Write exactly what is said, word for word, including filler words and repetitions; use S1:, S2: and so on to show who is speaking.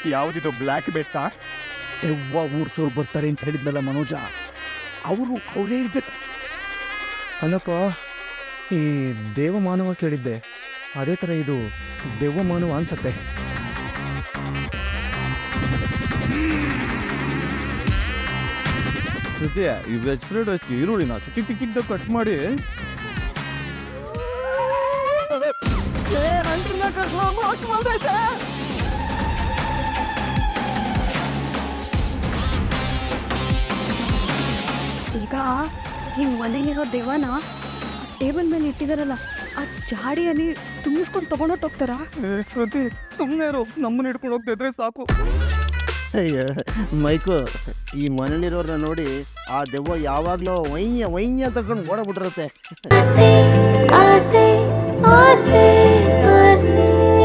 S1: ಯಾವುದಿದು black ಬೆಟ್ಟ?
S2: ದೆವ್ವ ಊರ್ಸೋರು ಬರ್ತಾರೆ ಅಂತ ಹೇಳಿದ್ನಲ್ಲ ಮನೋಜ, ಅವರು ಅವರೇ ಇರ್ಬೇಕು.
S3: ಅಲ್ಲಪ್ಪ, ಈ ದೇವಮಾನವ ಕೇಳಿದ್ದೆ, ಅದೇ ಥರ ಇದು ದೆವ್ವಮಾನವ ಅನ್ಸತ್ತೆ.
S1: ಜೊತೆ ಈ ವೆಜ್ ಫ್ರೈಡ್ ರೈಸ್ಗೆ ಈರುಳ್ಳಿನ ಚಿಕ್ಕ ಚಿಕ್ಕ ಚಿಕ್ಕದಾಗ ಕಟ್ ಮಾಡಿ
S4: ಈಗ ಈ ಮನೇಲಿರೋ ದೆವ್ವನ ಟೇಬಲ್ ಮೇಲೆ ಇಟ್ಟಿದಾರಲ್ಲ, ಆ ಜಾಡಿಯಲ್ಲಿ ತುಂಬಿಸ್ಕೊಂಡು ತಗೊಂಡೋಗ್ತಾರಾ?
S1: ಶ್ರುತಿ ಸುಮ್ಮನೆ ಇರು, ನಮ್ಮನ್ನ ಹಿಡ್ಕೊಂಡು ಹೋಗ್ತಿದ್ರೆ ಸಾಕು.
S5: ಅಯ್ಯ ಮೈಕು, ಈ ಮನೇಲಿರೋರನ್ನ ನೋಡಿ ಆ ದೆವ್ವ ಯಾವಾಗಲೂ ವೈನ್ಯ ವೈನ್ಯ ತಗೊಂಡು ಓಡಬಿಟ್ಟಿರುತ್ತೆ.
S6: ಆಸೆ ಆಸೆ ಆಸೆ ಆಸೆ